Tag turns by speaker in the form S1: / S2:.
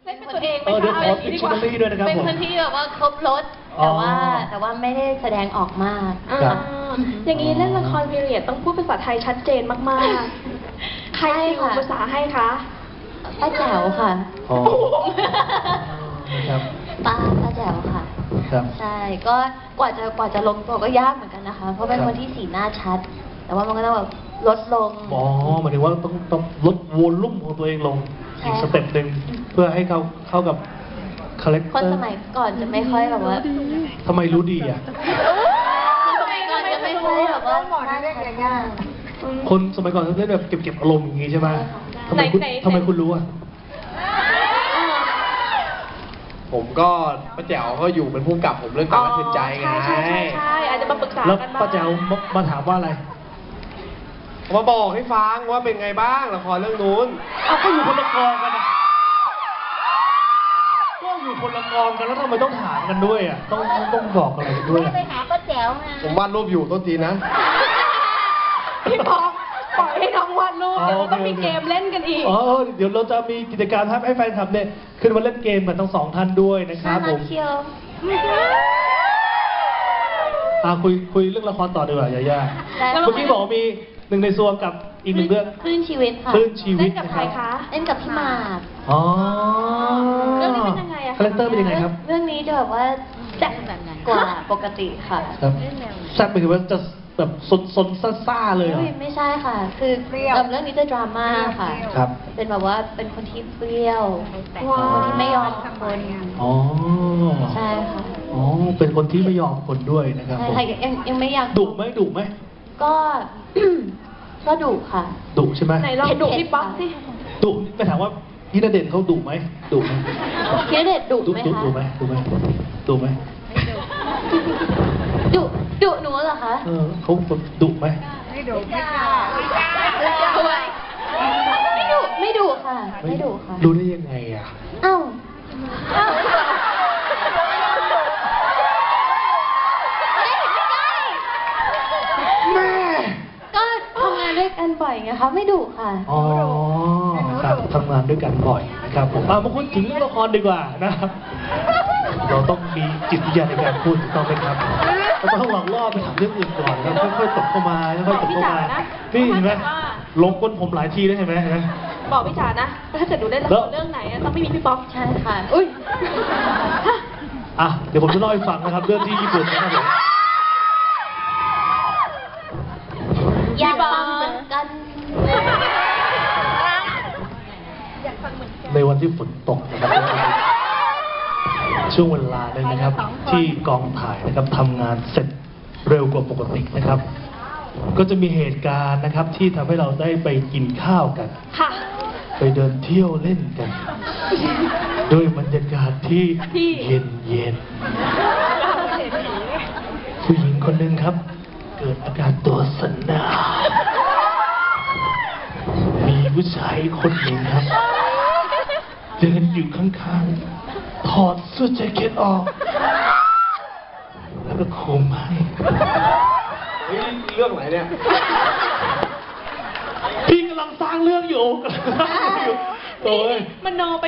S1: เป็นตัวเองไหม
S2: เดี๋ยว
S1: คะ
S2: ขอดิกชันนารีด้วยนะครับ
S3: เป็น
S2: ผม
S3: คนที่แบบว่าครบรถแต่ว่าไม่ได้แสดงออกมาก
S2: ครับ
S1: อย่างนี้เล่นละครพีเรียดต้องพูดภาษาไทยชัดเจนมากๆ ใครติวภาษาให้คะ
S3: ป้าแจ๋วค่ะ
S2: อ๋อครับ
S3: ป้าแจ๋วค่ะ
S2: ครับ
S3: ใช่ก็กว่าจะลงตัวก็ยากเหมือนกันนะคะ เพราะเป็นคนที่สีหน้าชัด แต่ว่ามันก็ต้องแบบลดลง
S2: อ๋อหมายถึงว่าต้องลดวอลลุ่มของตัวเองลง
S3: ใช่
S2: อีกสเต็ปหนึ่งเพื่อให้เข้ากับคาแรคเต
S3: คน
S2: อร์
S3: สมัยก่อนจะไม่ค่อยแบบว่า
S2: ทำไมรู้ดีอ่ะ
S3: คนสมัยก่อนจะไม่ค่อยแบบว่าหน้าชัดมาก
S2: คนสมัยก่อนเขาเล่นแบบเก็บอารมณ์อย่างงี้ใช่ไหมทำไมคุณรู้อ่ะ
S4: ผมก็ป้าแจ๋วก็อยู่เป็นผู้กำกับผมเรื่องการรักคืนใจไง
S1: ใช่อาจจะมาปรึกษา
S2: แล้ว
S1: กันบ้าง
S2: ป้าแจ๋วมาถามว่าอะไร
S4: มาบอกให้ฟังว่าเป็นไงบ้างละครเรื่องนู้น
S2: เอาก็อยู่คนละกองกันนะก็อยู่คนละกองกันแล้วทำไมต้องถามกันด้วยอ่ะต้องบอกอะไรกันด้วยอะ
S3: ไปหาป้าแจ๋วไง
S4: ผมวาดรูปอยู่ต้นทีนะ
S1: พี่พองปล่อยให้น้องวาดรูปเดี๋ยวเราต้องมีเกมเล่นกันอีก
S2: อ๋อเดี๋ยวเราจะมีกิจกรรมให้แฟนคลับเนี่ยขึ้นมาเล่นเกมกันทั้งสองท่านด้วยนะครับผม
S3: เชียว
S2: คุยเรื่องละครต่อดีกว่าย่า
S3: ได้
S2: เมื่อกี้บอกว่ามีหนึ่งในซวงกับอีกหนึ่งเรื่อง
S3: คลื่นชีวิตค่ะ
S2: คลื่นชีวิ
S1: เล่
S2: ต
S1: นกับ
S2: นะ
S1: ใค
S2: ค
S1: ร
S2: รับ
S1: คะ
S3: เล่นกับพี่หมาก
S2: อ๋อ
S1: เรื่องนี้เป็นยังไงอะคะ
S2: คาแรคเตอร์เป็นยังไงครับ
S3: เรื่องนี้จะแบบว่าแซ่บกว่าปกติค่ะ
S2: ครับแซ่บไปถึงว่าจะแบบสนซ่าๆเลยเหรอ
S3: อุ้ยไม่ใช่ค่ะ คือเรื่องนี้จะดราม่าค่ะ
S2: ครับ
S3: เป็นแบบว่าเป็นคนที่เปรี้ยว
S1: ว้าว
S3: คนที่ไม่ยอมคน
S2: อ๋อ
S3: ใช่ค่ะ
S2: อ๋อเป็นคนที่ไม่ยอมคนด้วยนะครับ
S3: ใช่
S2: ผม
S3: ค่ะยังไม่อยาก
S2: ดุไหม
S3: ก็ ก็ดุค่ะ
S2: ดุใช่ไหม
S1: ไหนลองดุพี่ป๊อกสิ
S2: ดุไปถามว่าพี่ณเดชน์เขาดุไหมดุไหม
S3: พี่ณเดชน์ดุไหมคะ
S2: ดุไหม
S3: ดุหนูเหรอคะ
S2: เขาดุไหม
S3: ไม่ดุค่ะไม่ดุค่ะ
S2: รู้ได้ยังไงอ่ะ
S3: เอ้าไม่ใช่
S2: แม่
S3: ก็ทำงานด้วยกันบ่อยไงคะไม่ดุค่ะ
S2: อ๋อครับทำงานด้วยกันบ่อยนะครับผมมาพูดถึงเรื่องละครดีกว่านะครับ เราต้องมีจิตวิทยาในการพูดถูกต้องไหมครับเราต้องหลอกล่อไปถามเรื่องอื่นก่อนแล้วค่อยๆตบเข้ามาค่อยๆตบเข้ามานี่เห็นไหมลงก้นผมหลายทีแล้วเห็นไหม
S1: บอกพี่จ๋านะ ถ้าเกิดหนูได้ละครเรื่องไหนอะต้องไม่มีพี่ป๊อก
S3: ใช่ค่ะ อุ้ย
S2: เดี๋ยวผมจะเล่าให้ฟังนะครับ เรื่องที่ญี่ปุ่นนะครับผม
S3: อยากฟังเหมือนกัน
S2: ในวันที่ฝนตกนะครับช่วงเวลาหนึ่งนะครับ ที่กองถ่ายนะครับทำงานเสร็จเร็วกว่าปกตินะครับ ก็จะมีเหตุการณ์นะครับที่ทำให้เราได้ไปกินข้าวกัน
S1: ค่ะ
S2: ไปเดินเที่ยวเล่นกันด้วยบรรยากาศที่เย็นผู้หญิงคนหนึ่งครับ เกิดอาการตัวสั่นหนาวมีผู้ชายคนหนึ่งครับ เดินอยู่ข้างๆถอดเสื้อแจ็คเก็ตออก แล้วก็โคมให้
S4: เฮ้ยเรื่องไหนเนี่ย
S2: พี่กำลังสร้างเรื่องอยู่โอ้ย
S1: มันโนไป